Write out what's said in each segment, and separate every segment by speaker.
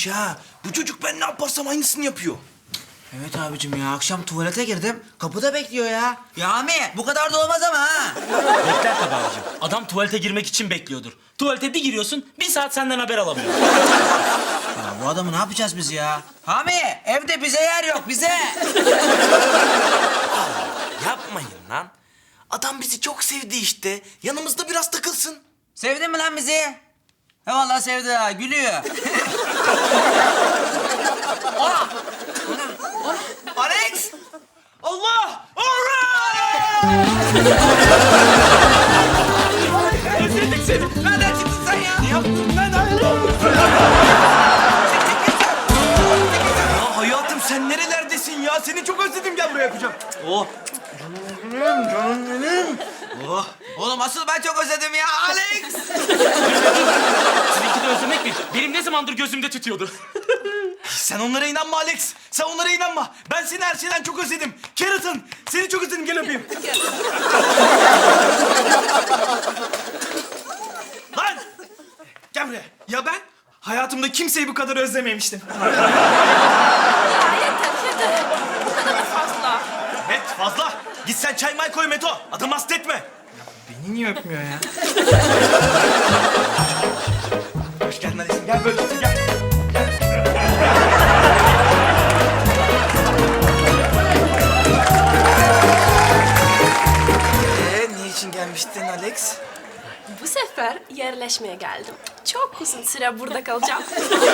Speaker 1: iyiymiş ha. Bu çocuk ben ne yaparsam aynısını yapıyor.
Speaker 2: Evet abicim ya, akşam tuvalete girdim. Kapıda bekliyor ya. Ya Ami, bu kadar da olmaz ama ha.
Speaker 3: Bekler tabii abicim. Adam tuvalete girmek için bekliyordur. Tuvalete bir giriyorsun, bir saat senden haber alamıyor.
Speaker 2: Ya bu adamı ne yapacağız biz ya? Ami, evde bize yer yok, bize.
Speaker 1: Yapmayın lan. Adam bizi çok sevdi işte. Yanımızda biraz takılsın.
Speaker 2: Sevdin mi lan bizi? He vallahi sevdi ha, gülüyor. Aa! Alex!
Speaker 1: Allah!
Speaker 2: Özledik seni. Nereden çıktın sen ya?
Speaker 1: Ne yaptın lan? Ya hayatım sen nerelerdesin ya? Seni çok özledim, gel buraya yapacağım. Oh. Canım benim.
Speaker 2: Oh. Oğlum asıl ben çok özledim ya Alex.
Speaker 3: Sizinki de özlemek mi? Benim ne zamandır gözümde tütüyordu.
Speaker 1: Sen onlara inanma Alex. Sen onlara inanma. Ben seni her şeyden çok özledim. Keratin, seni çok özledim. Gel öpeyim. Lan! Gel buraya. Ya ben hayatımda kimseyi bu kadar özlememiştim.
Speaker 4: Yeter. Bu kadar da fazla.
Speaker 1: Evet fazla. Git sen çay may koy Meto. Adamı hasta etme. Beni niye öpmüyor ya? Hoş geldin Alex'im. Gel böyle otur gel. Niçin gelmiştin Alex?
Speaker 4: Bu sefer yerleşmeye geldim. Çok uzun süre burada kalacağım.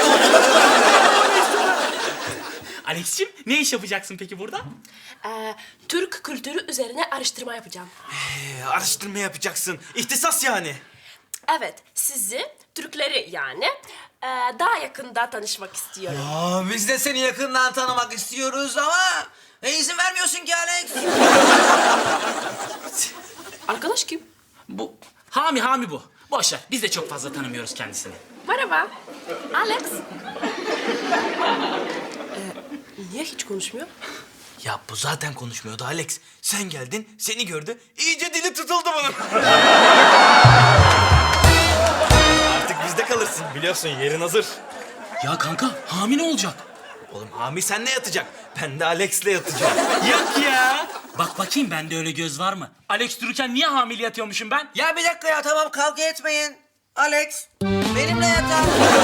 Speaker 3: Alex'ciğim, ne iş yapacaksın peki burada?
Speaker 4: Türk kültürü üzerine araştırma yapacağım.
Speaker 1: Araştırma yapacaksın. İhtisas yani.
Speaker 4: Evet, sizi, Türkleri yani, daha yakında tanışmak istiyorum.
Speaker 2: Aa, biz de seni yakından tanımak istiyoruz ama izin vermiyorsun ki Alex.
Speaker 4: Arkadaş kim?
Speaker 3: Bu, Hami bu. Boş ver, biz de çok fazla tanımıyoruz kendisini.
Speaker 4: Merhaba. Alex. Niye hiç konuşmuyor?
Speaker 1: Ya bu zaten konuşmuyordu Alex. Sen geldin, seni gördü. İyice dili tutuldu bunun. Artık bizde kalırsın. Biliyorsun yerin hazır.
Speaker 3: Ya kanka, Hami ne olacak?
Speaker 1: Oğlum Hami seninle yatacak. Ben de Alex'le yatacağım.
Speaker 3: Yok ya. Bak bakayım, bende öyle göz var mı? Alex dururken niye hamile yatıyormuşum ben?
Speaker 2: Ya bir dakika ya, tamam kavga etmeyin. Alex, benimle yatar.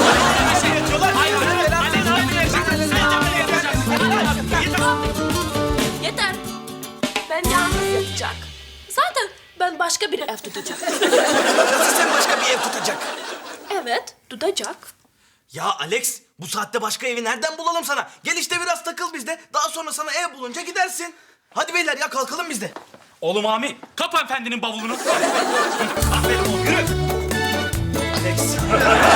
Speaker 4: Yeter. Ben yalnız yatacak. Zaten ben başka bir ev tutacağım.
Speaker 1: Nasıl sen başka bir ev tutacak?
Speaker 4: Evet, tutacak.
Speaker 1: Ya Alex, bu saatte başka evi nereden bulalım sana? Gel işte biraz takıl bizde. Daha sonra sana ev bulunca gidersin. Hadi beyler ya, kalkalım biz de.
Speaker 3: Oğlum Hami, kap efendinin bavulunu.
Speaker 1: Aferin oğlum, yürü. Alex.